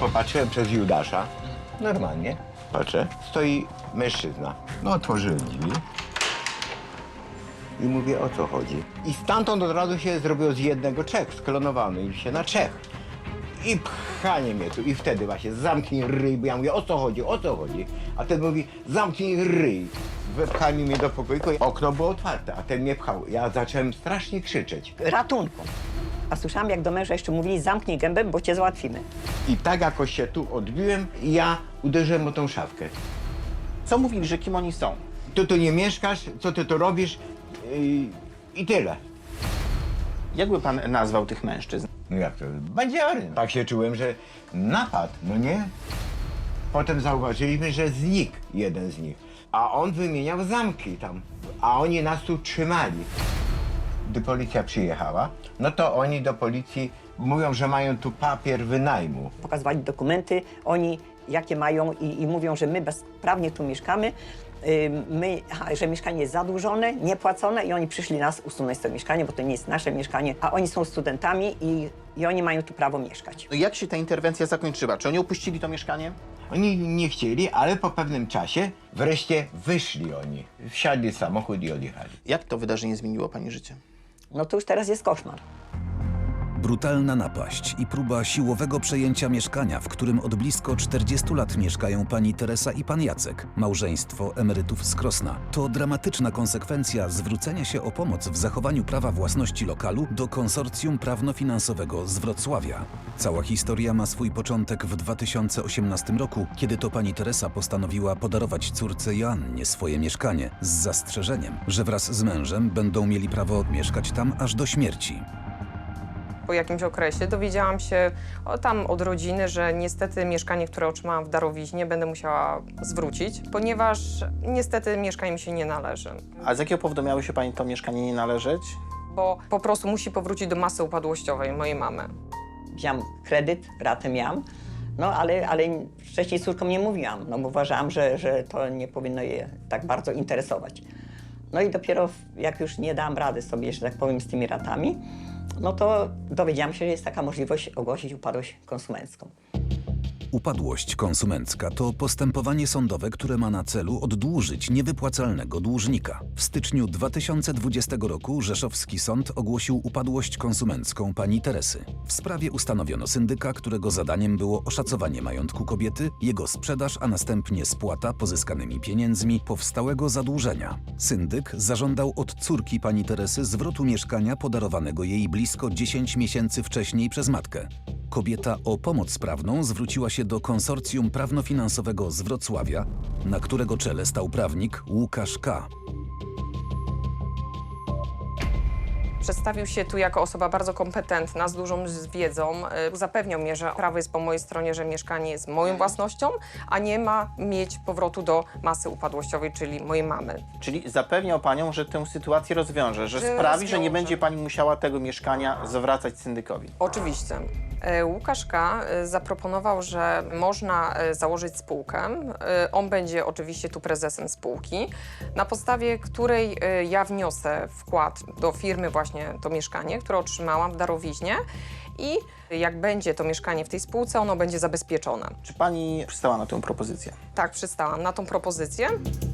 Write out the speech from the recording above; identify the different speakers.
Speaker 1: Popatrzyłem przez Judasza, normalnie, patrzę, stoi mężczyzna. No, otworzyłem drzwi i mówię, o co chodzi. I stamtąd od razu się zrobiło z jednego trzech, sklonowany i się na trzech. I pchanie mnie tu. I wtedy właśnie zamknij ryj, bo ja mówię, o co chodzi, o co chodzi. A ten mówi, zamknij ryj. Wepchali mnie do pokoju, okno było otwarte, a ten mnie pchał. Ja zacząłem strasznie krzyczeć.
Speaker 2: Ratunku. A słyszałam, jak do męża jeszcze mówili, zamknij gębę, bo cię załatwimy.
Speaker 1: I tak jakoś się tu odbiłem i ja uderzyłem o tą szafkę.
Speaker 3: Co mówili, że kim oni są?
Speaker 1: Ty tu nie mieszkasz, co ty tu robisz i tyle.
Speaker 3: Jak by pan nazwał tych mężczyzn?
Speaker 1: No jak to? Bandziory. Tak się czułem, że napad, no nie? Potem zauważyliśmy, że znikł jeden z nich. A on wymieniał zamki tam. A oni nas tu trzymali. Gdy policja przyjechała, no to oni do policji mówią, że mają tu papier wynajmu.
Speaker 2: Pokazywali dokumenty, oni jakie mają i mówią, że my bezprawnie tu mieszkamy, że mieszkanie jest zadłużone, niepłacone i oni przyszli nas usunąć z tego mieszkania, bo to nie jest nasze mieszkanie, a oni są studentami i oni mają tu prawo mieszkać.
Speaker 3: No jak się ta interwencja zakończyła? Czy oni opuścili to mieszkanie?
Speaker 1: Oni nie chcieli, ale po pewnym czasie wreszcie wyszli oni. Wsiadli w samochód i odjechali.
Speaker 3: Jak to wydarzenie zmieniło pani życie?
Speaker 2: No to już teraz jest koszmar.
Speaker 4: Brutalna napaść i próba siłowego przejęcia mieszkania, w którym od blisko 40 lat mieszkają pani Teresa i pan Jacek, małżeństwo emerytów z Krosna. To dramatyczna konsekwencja zwrócenia się o pomoc w zachowaniu prawa własności lokalu do konsorcjum prawno-finansowego z Wrocławia. Cała historia ma swój początek w 2018 roku, kiedy to pani Teresa postanowiła podarować córce Joannie swoje mieszkanie z zastrzeżeniem, że wraz z mężem będą mieli prawo mieszkać tam aż do śmierci.
Speaker 5: Po jakimś okresie dowiedziałam się od rodziny, że niestety mieszkanie, które otrzymałam w darowiźnie, będę musiała zwrócić, ponieważ niestety mieszkanie mi się nie należy.
Speaker 3: A z jakiego powodu miało się pani to mieszkanie nie należeć?
Speaker 5: Bo po prostu musi powrócić do masy upadłościowej mojej mamy.
Speaker 2: Wziąłam kredyt, ratę miałam, no ale wcześniej z córką nie mówiłam, no bo uważałam, że to nie powinno je tak bardzo interesować. No i dopiero jak już nie dałam rady sobie, że tak powiem, z tymi ratami, no to dowiedziałam się, że jest taka możliwość ogłosić upadłość konsumencką.
Speaker 4: Upadłość konsumencka to postępowanie sądowe, które ma na celu oddłużyć niewypłacalnego dłużnika. W styczniu 2020 roku Rzeszowski Sąd ogłosił upadłość konsumencką pani Teresy. W sprawie ustanowiono syndyka, którego zadaniem było oszacowanie majątku kobiety, jego sprzedaż, a następnie spłata pozyskanymi pieniędzmi powstałego zadłużenia. Syndyk zażądał od córki pani Teresy zwrotu mieszkania podarowanego jej blisko 10 miesięcy wcześniej przez matkę. Kobieta o pomoc prawną zwróciła się do konsorcjum prawno-finansowego z Wrocławia, na którego czele stał prawnik Łukasz K.
Speaker 5: Przedstawił się tu jako osoba bardzo kompetentna, z dużą wiedzą. Zapewniał mnie, że prawo jest po mojej stronie, że mieszkanie jest moją własnością, a nie ma mieć powrotu do masy upadłościowej, czyli mojej mamy.
Speaker 3: Czyli zapewniał panią, że tę sytuację rozwiąże, że sprawi, że nie będzie pani musiała tego mieszkania zwracać syndykowi.
Speaker 5: Oczywiście. Łukasz K. zaproponował, że można założyć spółkę. On będzie oczywiście tu prezesem spółki, na podstawie której ja wniosę wkład do firmy właśnie to mieszkanie, które otrzymałam w darowiźnie i jak będzie to mieszkanie w tej spółce, ono będzie zabezpieczone.
Speaker 3: Czy pani przystała na tę propozycję?
Speaker 5: Tak, przystałam na tą propozycję.